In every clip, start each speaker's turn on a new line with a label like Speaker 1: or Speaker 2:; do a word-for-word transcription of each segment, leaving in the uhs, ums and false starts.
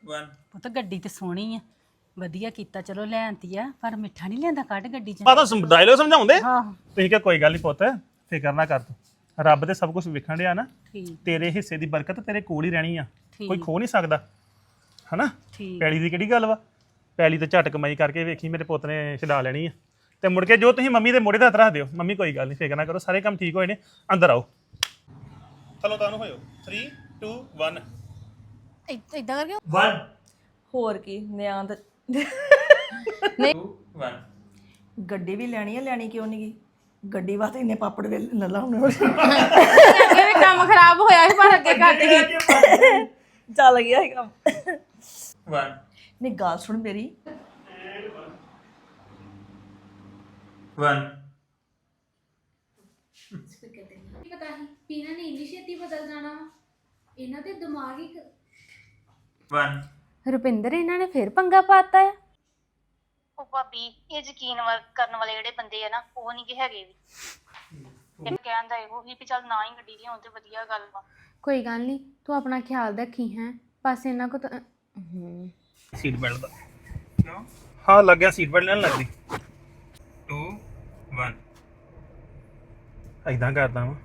Speaker 1: One
Speaker 2: ਪੁੱਤ ਗੱਡੀ ਤੇ ਸੋਹਣੀ ਆ ਵਧੀਆ ਕੀਤਾ ਚਲੋ ਲੈਣਤੀ ਆ ਪਰ ਮਿੱਠਾ ਨਹੀਂ ਲਿਆਂਦਾ ਕੱਢ ਗੱਡੀ ਚ
Speaker 3: ਮਾਤਾ ਡਾਇਲੋਗ ਸਮਝਾਉਂਦੇ
Speaker 2: ਹਾਂ
Speaker 3: ਤੁਸੀਂ ਕਿਹਾ ਕੋਈ ਗੱਲ ਨਹੀਂ ਪੁੱਤ ਫਿਕਰ ਨਾ ਕਰ ਤੂੰ ਰੱਬ ਦੇ ਸਭ ਕੁਝ ਵਿਖਣ ਡਿਆ ਨਾ
Speaker 2: ਠੀਕ
Speaker 3: ਤੇਰੇ ਹਿੱਸੇ ਦੀ ਬਰਕਤ ਤੇਰੇ ਕੋਲ ਹੀ ਰਹਿਣੀ ਆ
Speaker 2: ਠੀਕ।
Speaker 3: ਕੋਈ ਖੋ ਨਹੀਂ ਸਕਦਾ ਹਨਾ
Speaker 2: ਠੀਕ
Speaker 3: ਪੈਲੀ ਦੀ ਕਿਹੜੀ ਗੱਲ ਵਾ ਪੈਲੀ ਤੇ ਝਟ ਕਮਾਈ ਕਰਕੇ ਵੇਖੀ ਮੇਰੇ ਪੁੱਤ ਨੇ ਛਡਾ ਲੈਣੀ ਆ ਤੇ ਮੁੜ ਕੇ ਜੋ ਤੁਸੀਂ ਮੰਮੀ ਦੇ ਮੋਢੇ ਤੇ ਹੱਥ ਰੱਖ ਦਿਓ ਮੰਮੀ ਕੋਈ ਗੱਲ ਨਹੀਂ ਫਿਕਰ ਨਾ ਕਰੋ ਸਾਰੇ ਕੰਮ ਠੀਕ ਹੋਏ ਨੇ ਅੰਦਰ ਆਓ ਚਲੋ ਤੁਹਾਨੂੰ ਹੋਇਓ ਥ੍ਰੀ ਟੂ ਵਨ
Speaker 4: ਇਦਾਂ ਕਰਕੇ
Speaker 3: ਵਨ
Speaker 5: ਹੋਰ ਕੀ ਨਿਆਂ ਤੇ
Speaker 1: टू वन
Speaker 5: ਗੱਡੀ ਵੀ ਲੈਣੀ ਹੈ ਲੈਣੀ ਕਿਉਂ ਨਹੀਂ ਗਈ ਗੱਡੀ ਵਾਸਤੇ ਇੰਨੇ ਪਾਪੜ ਵੇ ਲੱਲਾ ਹੁਣ
Speaker 4: ਅੱਗੇ ਵੀ ਕੰਮ ਖਰਾਬ ਹੋਇਆ ਸੀ ਪਰ ਅੱਗੇ ਘੱਟ ਗਈ
Speaker 5: ਚੱਲ ਗਿਆ ਇਹ ਕੰਮ
Speaker 1: वन
Speaker 5: ਨਹੀਂ ਗੱਲ ਸੁਣ ਮੇਰੀ
Speaker 1: वन
Speaker 6: ਕੀ ਪਤਾ ਸੀ ਵੀ ਇਹਨਾਂ ਨੇ ਇੰਨੀ ਛੇਤੀ ਬਦਲ ਜਾਣਾ ਵਾ। ਇਹਨਾਂ ਦੇ ਦਿਮਾਗ ਹੀ
Speaker 1: वन
Speaker 4: ਰੁਪਿੰਦਰ ਇਹਨਾਂ ਨੇ ਫਿਰ ਪੰਗਾ ਪਾਤਾ ਆ
Speaker 7: ਉਹ ਭਾਬੀ ਇਹ ਯਕੀਨ ਵਾ- ਕਰਨ ਵਾਲੇ ਜਿਹੜੇ ਬੰਦੇ ਆ ਨਾ ਉਹ ਨਹੀਂ ਕਿ ਹੈਗੇ ਵੀ ਇਹ ਕਹਿੰਦਾ ਇਹੋ ਹੀ ਵੀ ਚੱਲ ਨਾ ਹੀ ਗੱਡੀ ਲਿਆਉਣ ਤੇ ਵਧੀਆ ਗੱਲ ਵਾ
Speaker 4: ਕੋਈ ਗੱਲ ਨਹੀਂ ਤੂੰ ਆਪਣਾ ਖਿਆਲ ਰੱਖੀ ਹੈ ਬਸ ਇਹਨਾਂ ਕੋ ਤਾਂ ਹਮ,
Speaker 3: ਸੀਟ ਬੈਲਟ ਦਾ ਹਾਂ ਲੱਗ ਗਿਆ ਸੀਟ ਬੈਲਟ ਲੈਣ ਲੱਗਦੀ
Speaker 1: टू वन
Speaker 3: ਐਦਾਂ ਕਰਦਾ ਵਾਂ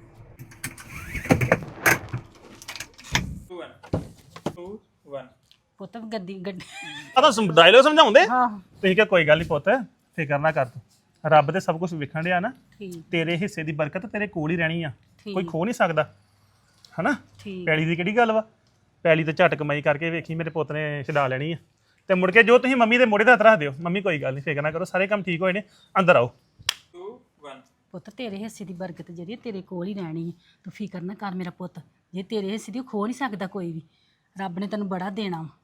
Speaker 1: टू वन टू वन
Speaker 2: ਪੁੱਤ ਗੱਡੀ ਗੱਡੀ
Speaker 3: ਆ ਤਾਂ ਡਾਇਲੋਗ ਸਮਝਾਉਂਦੇ
Speaker 2: ਹਾਂ
Speaker 3: ਤੁਸੀਂ ਕਿਹਾ ਕੋਈ ਗੱਲ ਨਹੀਂ ਪੁੱਤ ਫਿਕਰ ਨਾ ਕਰ ਤੂੰ ਰੱਬ ਦੇ ਸਭ ਕੁਝ ਵਿਖਣ ਡਿਆ ਨਾ
Speaker 2: ਠੀਕ
Speaker 3: ਤੇਰੇ ਹਿੱਸੇ ਦੀ ਬਰਕਤ ਤੇਰੇ ਕੋਲ ਹੀ ਰਹਿਣੀ ਆ
Speaker 2: ਠੀਕ।
Speaker 3: ਕੋਈ ਖੋ ਨਹੀਂ ਸਕਦਾ ਹਨਾ
Speaker 2: ਠੀਕ
Speaker 3: ਪੈਲੀ ਦੀ ਕਿਹੜੀ ਗੱਲ ਵਾ ਪੈਲੀ ਤੇ ਝਟ ਕਮਾਈ ਕਰਕੇ ਵੇਖੀ ਮੇਰੇ ਪੁੱਤ ਨੇ ਛਡਾ ਲੈਣੀ ਆ ਤੇ ਮੁੜ ਕੇ ਜੋ ਤੁਸੀਂ ਮੰਮੀ ਦੇ ਮੋਢੇ ਤੇ ਹੱਥ ਰੱਖ ਦਿਓ ਮੰਮੀ ਕੋਈ ਗੱਲ ਨਹੀਂ ਫਿਕਰ ਨਾ ਕਰੋ ਸਾਰੇ ਕੰਮ ਠੀਕ ਹੋਏ ਨੇ ਅੰਦਰ ਆਓ
Speaker 1: टू वन
Speaker 2: ਪੁੱਤ ਤੇਰੇ ਹਿੱਸੇ ਦੀ ਬਰਕਤ ਜਿਹੜੀ ਆ ਤੇਰੇ ਕੋਲ ਹੀ ਰਹਿਣੀ ਹੈ ਤੂੰ ਫਿਕਰ ਨਾ ਕਰ ਮੇਰਾ ਪੁੱਤ ਜੇ ਤੇਰੇ ਹਿੱਸੇ ਦੀ ਉਹ ਖੋ ਨਹੀਂ ਸਕਦਾ ਕੋਈ ਵੀ ਰੱਬ ਨੇ ਤੈਨੂੰ ਬੜਾ ਦੇਣਾ ਵਾ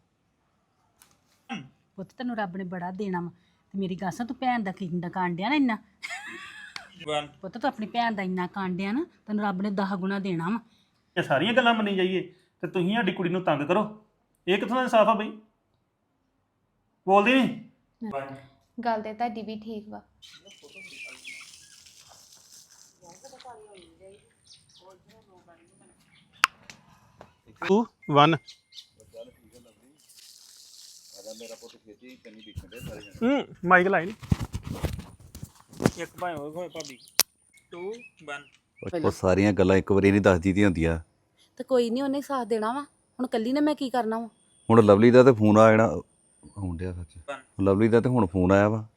Speaker 2: ਪੁੱਤ ਤੈਨੂੰ ਰੱਬ ਨੇ ਬੜਾ ਦੇਣਾ ਵਾ ਤੇ ਮੇਰੀ ਗੱਲ ਸੁਣ ਤੂੰ ਭੈਣ ਦਾ ਕਿੰਨਾ ਕਾਂਡਿਆ ਨਾ ਇੰਨਾ
Speaker 1: वन
Speaker 2: ਪੁੱਤ ਤੂੰ ਆਪਣੀ ਭੈਣ ਦਾ ਇੰਨਾ ਕਾਂਡਿਆ ਨਾ ਤੈਨੂੰ ਰੱਬ ਨੇ ਦਸ ਗੁਣਾ ਦੇਣਾ ਵਾ
Speaker 3: ਇਹ ਸਾਰੀਆਂ ਗੱਲਾਂ ਮੰਨੀ ਜਾਈਏ ਤੇ ਤੁਸੀਂ ਸਾਡੀ ਕੁੜੀ ਨੂੰ ਤੰਗ ਕਰੋ ਇਹ ਕਿੱਥੋਂ ਦਾ ਇਨਸਾਫ ਆ ਬਈ ਬੋਲਦੀ ਨਹੀਂ
Speaker 1: वन
Speaker 4: ਗੱਲ ਤੇ ਤੁਹਾਡੀ ਵੀ ਠੀਕ ਵਾ
Speaker 3: ਟੂ ਵਨ ਹੂੰ ਮਾਈਕ ਲਾਈ ਨੀ ਇੱਕ ਭਾਵੇਂ ਹੋਏ ਹੋਏ ਭਾਬੀ
Speaker 1: टू वन
Speaker 8: ਉਹ ਸਾਰੀਆਂ ਗੱਲਾਂ ਇੱਕ ਵਾਰੀ ਨਹੀਂ ਦੱਸਦੀ ਦੀਆਂ ਹੁੰਦੀਆਂ
Speaker 2: ਤੇ ਕੋਈ ਨਹੀਂ ਉਹਨੇ ਸਾਥ ਦੇਣਾ ਵਾ ਹੁਣ ਕੱਲੀ ਨੇ ਮੈਂ ਕੀ ਕਰਨਾ ਵਾ
Speaker 8: ਹੁਣ ਲਵਲੀ ਦਾ ਤੇ ਫੋਨ ਆ ਜਾਣਾ ਆਉਣ ਡਿਆ ਸੱਚ
Speaker 1: वन
Speaker 8: ਲਵਲੀ ਦਾ ਤੇ ਹੁਣ ਫੋਨ ਆਇਆ ਵਾ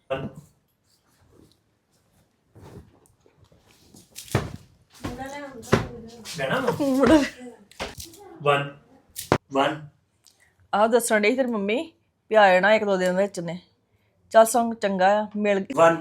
Speaker 3: ਵਨ ਵਨ
Speaker 5: ਆਹ ਦੱਸਣ ਡਈ ਤੇਰੀ ਮੰਮੀ ਵੀ ਆ ਜਾਣਾ ਇੱਕ ਦੋ ਦਿਨ ਵਿੱਚ ਨੇ ਚੱਲ ਸੰਗ ਚੰਗਾ ਆ ਮਿਲ ਗਈ
Speaker 3: ਵਨ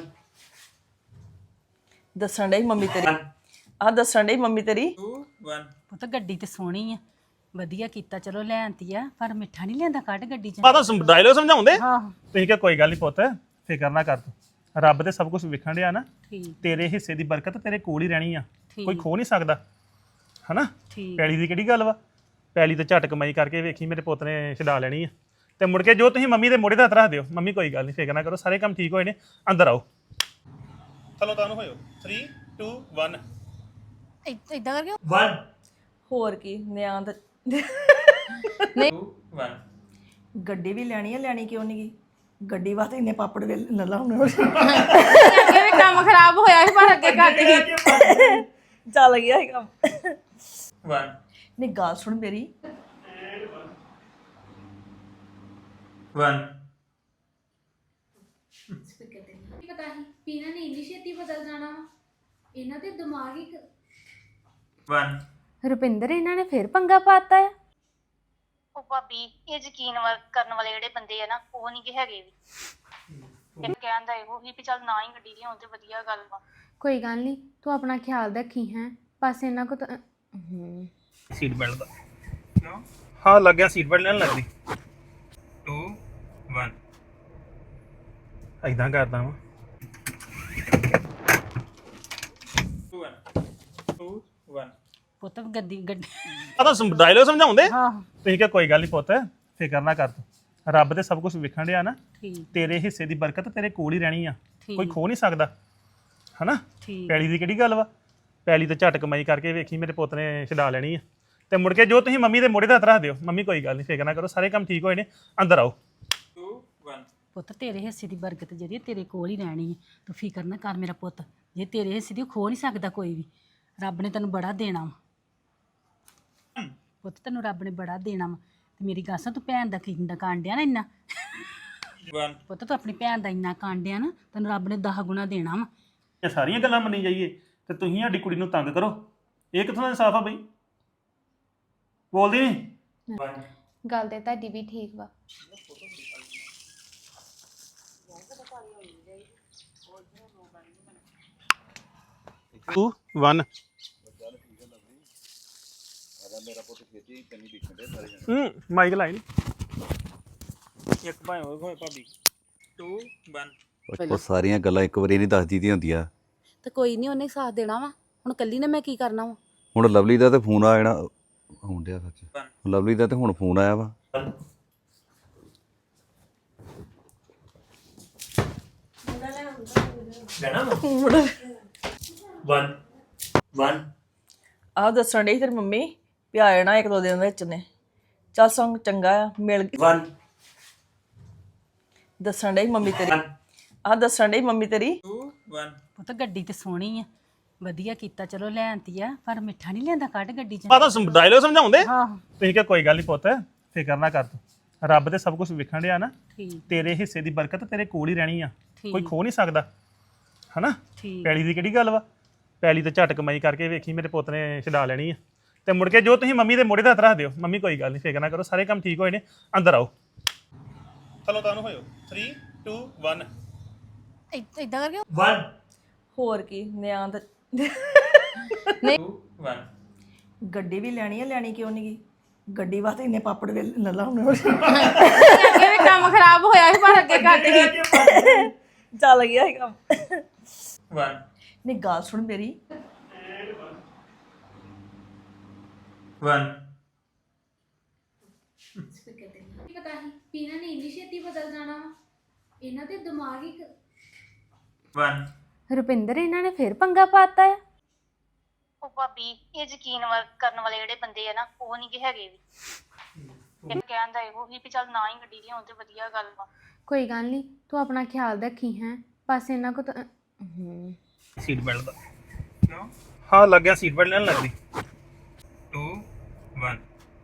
Speaker 5: ਦੱਸਣ ਡਈ ਮੰਮੀ ਤੇਰੀ ਆਹ ਦੱਸਣ ਡਈ ਮੰਮੀ ਤੇਰੀ
Speaker 1: टू वन
Speaker 2: ਪੁੱਤ ਗੱਡੀ ਤੇ ਸੋਹਣੀ ਆ ਵਧੀਆ ਕੀਤਾ ਚਲੋ ਲੈਣਤੀ ਆ ਪਰ ਮਿੱਠਾ ਨਹੀਂ ਲਿਆਂਦਾ ਕੱਢ ਗੱਡੀ ਚ
Speaker 3: ਮਾਤਾ ਡਾਇਲੋਗ ਸਮਝਾਉਂਦੇ
Speaker 2: ਹਾਂ
Speaker 3: ਤੁਸੀਂ ਕਿਹਾ ਕੋਈ ਗੱਲ ਨਹੀਂ ਪੁੱਤ ਫਿਕਰ ਨਾ ਕਰ ਤੂੰ ਰੱਬ ਦੇ ਸਭ ਕੁਝ ਵਿਖਣ ਡਿਆ ਨਾ
Speaker 2: ਠੀਕ
Speaker 3: ਤੇਰੇ ਹਿੱਸੇ ਦੀ ਬਰਕਤ ਤੇਰੇ ਕੋਲ ਹੀ ਰਹਿਣੀ ਆ
Speaker 2: ਠੀਕ।
Speaker 3: ਕੋਈ ਖੋ ਨਹੀਂ ਸਕਦਾ ਹਨਾ
Speaker 2: ਠੀਕ
Speaker 3: ਪੈਲੀ ਦੀ ਕਿਹੜੀ ਗੱਲ ਵਾ ਪੈਲੀ ਤੇ ਝਟ ਕਮਾਈ ਕਰਕੇ ਵੇਖੀ ਮੇਰੇ ਪੁੱਤ ਨੇ ਛਡਾ ਲੈਣੀ ਆ ਤੇ ਮੁੜ ਕੇ ਜੋ ਤੁਸੀਂ ਮੰਮੀ ਦੇ ਮੋਢੇ ਤੇ ਹੱਥ ਰੱਖ ਦਿਓ ਮੰਮੀ ਕੋਈ ਗੱਲ ਨਹੀਂ ਫਿਕਰ ਨਾ ਕਰੋ ਸਾਰੇ ਕੰਮ ਠੀਕ ਹੋਏ ਨੇ ਅੰਦਰ ਆਓ ਚਲੋ ਤੁਹਾਨੂੰ ਹੋਇਓ ਥ੍ਰੀ ਟੂ ਵਨ
Speaker 4: ਇਦਾਂ ਕਰਕੇ
Speaker 3: ਵਨ
Speaker 5: ਹੋਰ ਕੀ ਨਿਆਂ ਤੇ
Speaker 1: टू वन
Speaker 5: ਗੱਡੀ ਵੀ ਲੈਣੀ ਹੈ ਲੈਣੀ ਕਿਉਂ ਨਹੀਂ ਗਈ ਗੱਡੀ ਵਾਸਤੇ ਇੰਨੇ ਪਾਪੜ ਵੇ ਲੱਲਾ ਹੁਣ
Speaker 4: ਅੱਗੇ ਵੀ ਕੰਮ ਖਰਾਬ ਹੋਇਆ ਸੀ ਪਰ ਅੱਗੇ ਘੱਟ ਗਈ
Speaker 5: ਚੱਲ ਗਿਆ ਇਹ ਕੰਮ
Speaker 1: वन
Speaker 5: ਨਹੀਂ ਗੱਲ ਸੁਣ ਮੇਰੀ
Speaker 1: वन
Speaker 6: ਕੀ ਪਤਾ ਸੀ ਵੀ ਇਹਨਾਂ ਨੇ ਇੰਨੀ ਛੇਤੀ ਬਦਲ ਜਾਣਾ ਵਾ। ਇਹਨਾਂ ਦੇ ਦਿਮਾਗ ਹੀ
Speaker 1: वन
Speaker 4: ਰੁਪਿੰਦਰ ਇਹਨਾਂ ਨੇ ਫਿਰ ਪੰਗਾ ਪਾਤਾ ਆ
Speaker 7: ਉਹ ਭਾਬੀ ਇਹ ਯਕੀਨ ਵਾ- ਕਰਨ ਵਾਲੇ ਜਿਹੜੇ ਬੰਦੇ ਆ ਨਾ ਉਹ ਨਹੀਂ ਕਿ ਹੈਗੇ ਵੀ ਇਹ ਕਹਿੰਦਾ ਇਹੋ ਹੀ ਵੀ ਚੱਲ ਨਾ ਹੀ ਗੱਡੀ ਲਿਆਉਣ ਤੇ ਵਧੀਆ ਗੱਲ ਵਾ
Speaker 4: ਕੋਈ ਗੱਲ ਨਹੀਂ ਤੂੰ ਆਪਣਾ ਖਿਆਲ ਰੱਖੀ ਹੈ ਬਸ ਇਹਨਾਂ ਕੋ ਤਾਂ ਹਮ,
Speaker 3: ਸੀਟ ਬੈਲਟ ਦਾ ਹਾਂ ਲੱਗ ਗਿਆ ਸੀਟ ਬੈਲਟ ਲੈਣ ਲੱਗਦੀ
Speaker 1: टू वन
Speaker 3: ਐਦਾਂ ਕਰਦਾ ਵਾਂ
Speaker 1: टू वन टू वन
Speaker 2: ਪੁੱਤ ਗੱਡੀ ਗੱਡੀ
Speaker 3: ਆ ਤਾਂ ਡਾਇਲੋਗ ਸਮਝਾਉਂਦੇ
Speaker 2: ਹਾਂ
Speaker 3: ਤੁਸੀਂ ਕਿਹਾ ਕੋਈ ਗੱਲ ਨਹੀਂ ਪੁੱਤ ਫਿਕਰ ਨਾ ਕਰ ਤੂੰ ਰੱਬ ਦੇ ਸਭ ਕੁਝ ਵਿਖਣ ਡਿਆ ਨਾ
Speaker 2: ਠੀਕ
Speaker 3: ਤੇਰੇ ਹਿੱਸੇ ਦੀ ਬਰਕਤ ਤੇਰੇ ਕੋਲ ਹੀ ਰਹਿਣੀ ਆ
Speaker 2: ਠੀਕ।
Speaker 3: ਕੋਈ ਖੋ ਨਹੀਂ ਸਕਦਾ ਹਨਾ
Speaker 2: ਠੀਕ
Speaker 3: ਪੈਲੀ ਦੀ ਕਿਹੜੀ ਗੱਲ ਵਾ ਪੈਲੀ ਤੇ ਝਟ ਕਮਾਈ ਕਰਕੇ ਵੇਖੀ ਮੇਰੇ ਪੁੱਤ ਨੇ ਛਡਾ ਲੈਣੀ ਆ ਤੇ ਮੁੜ ਕੇ ਜੋ ਤੁਸੀਂ ਮੰਮੀ ਦੇ ਮੋਢੇ ਤੇ ਹੱਥ ਰੱਖ ਦਿਓ ਮੰਮੀ ਕੋਈ ਗੱਲ ਨਹੀਂ ਫਿਕਰ ਨਾ ਕਰੋ ਸਾਰੇ ਕੰਮ ਠੀਕ ਹੋਏ ਨੇ ਅੰਦਰ ਆਓ
Speaker 1: ਟੂ ਵਨ
Speaker 2: ਪੁੱਤ ਤੇਰੇ ਹਿੱਸੇ ਦੀ ਬਰਕਤ ਜਿਹੜੀ ਹੈ ਤੇਰੇ ਕੋਲ ਹੀ ਰਹਿਣੀ ਹੈ ਤੂੰ ਫਿਕਰ ਨਾ ਕਰ ਮੇਰਾ ਪੁੱਤ ਜੇ ਤੇਰੇ ਹਿੱਸੇ ਦੀ ਉਹ ਖੋ ਨਹੀਂ ਸਕਦਾ ਕੋਈ ਵੀ ਰੱਬ ਨੇ ਤੈਨੂੰ ਬੜਾ ਦੇਣਾ ਵਾ ਪੁੱਤ ਤੈਨੂੰ ਰੱਬ ਨੇ ਬੜਾ ਦੇਣਾ ਵਾ ਤੇ ਮੇਰੀ ਗੱਲ ਸੁਣ ਤੂੰ ਭੈਣ ਦਾ ਕਿੰਨਾ ਕਾਂਡਿਆ ਨਾ ਇੰਨਾ
Speaker 1: ਵਨ
Speaker 2: ਪੁੱਤ ਤੂੰ ਆਪਣੀ ਭੈਣ ਦਾ ਇੰਨਾ ਕਾਂਡਿਆ ਨਾ ਤੈਨੂੰ ਰੱਬ ਨੇ ਦਸ ਗੁਣਾ ਦੇਣਾ ਵਾ
Speaker 3: ਇਹ ਸਾਰੀਆਂ ਗੱਲਾਂ ਮੰਨੀ ਜਾਈਏ ਤੇ ਤੁਸੀਂ ਸਾਡੀ ਕੁੜੀ ਨੂੰ ਤੰਗ ਕਰੋ ਇਹ ਕਿੱਥੋਂ ਦਾ ਇਨਸਾਫ ਆ ਬਈ ਬੋਲਦੀ ਨਹੀਂ
Speaker 1: ਵਨ
Speaker 4: ਗੱਲ ਤੇ ਤੁਹਾਡੀ ਵੀ ਠੀਕ ਵਾ
Speaker 3: ਟੂ ਵਨ ਹੂੰ ਮਾਈਕ ਲਾਈ ਨੀ
Speaker 1: ਇੱਕ ਭਾਵੇਂ ਹੋਏ ਹੋਏ ਭਾਬੀ ਟੂ ਵਨ
Speaker 8: ਉਹ- ਉਹ ਸਾਰੀਆਂ ਗੱਲਾਂ ਇੱਕ ਵਾਰੀ ਨਹੀਂ ਦੱਸਦੀ ਦੀਆਂ ਹੁੰਦੀਆਂ
Speaker 2: ਤੇ ਕੋਈ ਨਹੀਂ ਉਹਨੇ ਸਾਥ ਦੇਣਾ ਵਾ ਹੁਣ ਕੱਲੀ ਨੇ ਮੈਂ ਕੀ ਕਰਨਾ ਵਾ
Speaker 8: ਹੁਣ ਲਵਲੀ ਦਾ ਤੇ ਫੋਨ ਆ ਜਾਣਾ ਆਉਣ ਡਿਆ ਸੱਚ
Speaker 1: ਵਨ
Speaker 8: ਲਵਲੀ ਦਾ ਤੇ ਹੁਣ ਫੋਨ ਆਇਆ ਵਾ
Speaker 1: ਲੈਣਾ ਵਨ ਵਨ
Speaker 5: ਆਹ ਦੱਸਣ ਡਈ ਤੇਰੀ ਮੰਮੀ ਵੀ ਆ ਜਾਣਾ ਇੱਕ ਦੋ ਦਿਨ ਵਿੱਚ ਨੇ ਚੱਲ ਸੰਗ ਚੰਗਾ ਆ ਮਿਲ ਗਈ
Speaker 1: ਵਨ
Speaker 5: ਦੱਸਣ ਡਈ ਮੰਮੀ ਤੇਰੀ ਆਹ ਦੱਸਣ ਡਈ ਮੰਮੀ ਤੇਰੀ
Speaker 1: ਟੂ ਵਨ
Speaker 2: ਪੁੱਤ ਗੱਡੀ ਤੇ ਸੋਹਣੀ ਆ ਵਧੀਆ ਕੀਤਾ ਚਲੋ ਲੈਣਤੀ ਆ ਪਰ ਮਿੱਠਾ ਨਹੀਂ ਲਿਆਂਦਾ ਕੱਢ ਗੱਡੀ 'ਚ
Speaker 3: ਆ ਤਾਂ ਡਾਇਲੋਗ ਸਮਝਾਉਂਦੇ
Speaker 2: ਆਹੋ
Speaker 3: ਤੁਸੀਂ ਕਿਹਾ ਕੋਈ ਗੱਲ ਨਹੀਂ ਪੁੱਤ ਫਿਕਰ ਨਾ ਕਰ ਤੂੰ ਰੱਬ ਤੇ ਸਭ ਕੁਝ ਵਿਖਣ ਡਿਆ ਨਾ
Speaker 2: ਠੀਕ
Speaker 3: ਤੇਰੇ ਹਿੱਸੇ ਦੀ ਬਰਕਤ ਤੇਰੇ ਕੋਲ ਹੀ ਰਹਿਣੀ ਆ
Speaker 2: ਠੀਕ।
Speaker 3: ਕੋਈ ਖੋ ਨਹੀਂ ਸਕਦਾ ਹਨਾ
Speaker 2: ਠੀਕ
Speaker 3: ਪੈਲੀ ਦੀ ਕਿਹੜੀ ਗੱਲ ਵਾ ਪੈਲੀ ਤੇ ਝਟ ਕਮਾਈ ਕਰਕੇ ਵੇਖੀ ਮੇਰੇ ਪੁੱਤ ਨੇ ਛਡਾ ਲੈਣੀ ਆ ਤੇ ਮੁੜ ਕੇ ਜੋ ਤੁਸੀਂ ਮੰਮੀ ਦੇ ਮੋਢੇ ਤੇ ਹੱਥ ਰੱਖ ਦਿਓ ਮੰਮੀ ਕੋਈ ਗੱਲ ਨਹੀਂ ਫਿਕਰ ਨਾ ਕਰੋ ਸਾਰੇ ਕੰਮ ਠੀਕ ਹੋਏ ਨੇ ਅੰਦਰ ਆਓ ਚਲੋ ਤੁਹਾਨੂੰ ਹੋਇਓ ਥ੍ਰੀ ਟੂ ਵਨ
Speaker 2: ਇਦਾਂ ਕਰਕੇ
Speaker 1: ਵਨ
Speaker 5: ਹੋਰ ਕੀ ਨਿਆਂ ਤੇ
Speaker 1: ਟੂ ਵਨ
Speaker 5: ਗੱਡੀ ਵੀ ਲੈਣੀ ਆ ਲੈਣੀ ਕਿਉਂ ਨਹੀਂ ਗਈ ਗੱਡੀ ਵਾਸਤੇ ਇੰਨੇ ਪਾਪੜ ਵੇ ਲੱਲਾ ਹੁਣ
Speaker 4: ਅੱਗੇ ਵੀ ਕੰਮ ਖਰਾਬ ਹੋਇਆ ਸੀ ਪਰ ਅੱਗੇ ਘੱਟ ਗਈ
Speaker 5: ਚੱਲ ਗਿਆ ਇਹ ਕੰਮ
Speaker 1: ਵਨ
Speaker 5: ਨਹੀਂ ਗੱਲ ਸੁਣ ਮੇਰੀ
Speaker 1: ਵਨ
Speaker 6: ਕੀ ਪਤਾ ਸੀ ਪੀਣਾ ਨੇ ਇੰਨੀ ਛੇਤੀ ਬਦਲ ਜਾਣਾ ਵਾ ਇਹਨਾਂ ਦੇ ਦਿਮਾਗ ਹੀ
Speaker 1: ਵਨ
Speaker 4: ਰੁਪਿੰਦਰ ਇਹਨਾਂ ਨੇ ਫਿਰ ਪੰਗਾ ਪਾਤਾ ਆ
Speaker 7: ਉਹ ਭਾਬੀ ਇਹ ਯਕੀਨ ਵਾ- ਕਰਨ ਵਾਲੇ ਜਿਹੜੇ ਬੰਦੇ ਆ ਨਾ ਉਹ ਨਹੀਂ ਕਿ ਹੈਗੇ ਵੀ ਇੱਕ ਕਹਿੰਦਾ ਇਹੋ ਹੀ ਵੀ ਚੱਲ ਨਾ ਹੀ ਗੱਡੀ ਲਿਆਉਣ ਤੇ ਵਧੀਆ ਗੱਲ ਵਾ
Speaker 4: ਕੋਈ ਗੱਲ ਨਹੀਂ ਤੂੰ ਆਪਣਾ ਖਿਆਲ ਰੱਖੀ ਹੈ ਬਸ ਇਹਨਾਂ ਕੋ ਤਾਂ ਹਮ,
Speaker 3: ਸੀਟ ਬੈਲਟ ਦਾ ਹਾਂ ਲੱਗ ਗਿਆ ਸੀਟ ਬੈਲਟ ਲੈਣ ਲੱਗਦੀ
Speaker 1: ਟੂ ਵਨ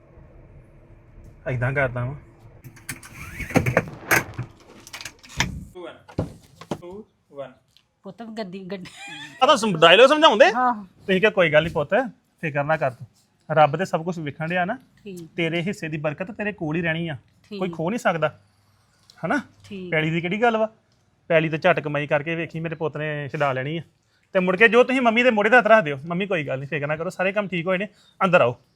Speaker 3: ਐਦਾਂ ਕਰਦਾ ਵਾਂ
Speaker 1: ਟੂ ਵਨ ਟੂ ਵਨ
Speaker 2: ਪੁੱਤ ਗੱਡੀ ਗੱਡੀ
Speaker 3: ਆ ਤਾਂ ਡਾਇਲੋਗ ਸਮਝਾਉਂਦੇ
Speaker 2: ਆਹੋ
Speaker 3: ਤੁਸੀਂ ਕਿਹਾ ਕੋਈ ਗੱਲ ਨਹੀਂ ਪੁੱਤ ਫਿਕਰ ਨਾ ਕਰ ਤੂੰ ਰੱਬ ਤੇ ਸਭ ਕੁਝ ਵਿਖਣ ਡਿਆ ਨਾ
Speaker 2: ਠੀਕ
Speaker 3: ਤੇਰੇ ਹਿੱਸੇ ਦੀ ਬਰਕਤ ਤੇਰੇ ਕੋਲ ਹੀ ਰਹਿਣੀ ਆ
Speaker 2: ਠੀਕ।
Speaker 3: ਕੋਈ ਖੋ ਨਹੀਂ ਸਕਦਾ ਹਨਾ
Speaker 2: ਠੀਕ
Speaker 3: ਪੈਲੀ ਦੀ ਕਿਹੜੀ ਗੱਲ ਵਾ ਪੈਲੀ ਤੇ ਝਟ ਕਮਾਈ ਕਰਕੇ ਵੇਖੀ ਮੇਰੇ ਪੁੱਤ ਨੇ ਛਡਾ ਲੈਣੀ ਆ ਤੇ ਮੁੜ ਕੇ ਜੋ ਤੁਸੀਂ ਮੰਮੀ ਦੇ ਮੋਢੇ ਤੇ ਹੱਥ ਰੱਖ ਦਿਓ ਮੰਮੀ ਕੋਈ ਗੱਲ ਨਹੀਂ ਫਿਕਰ ਨਾ ਕਰੋ ਸਾਰੇ ਕੰਮ ਠੀਕ ਹੋਏ ਨੇ ਅੰਦਰ ਆਓ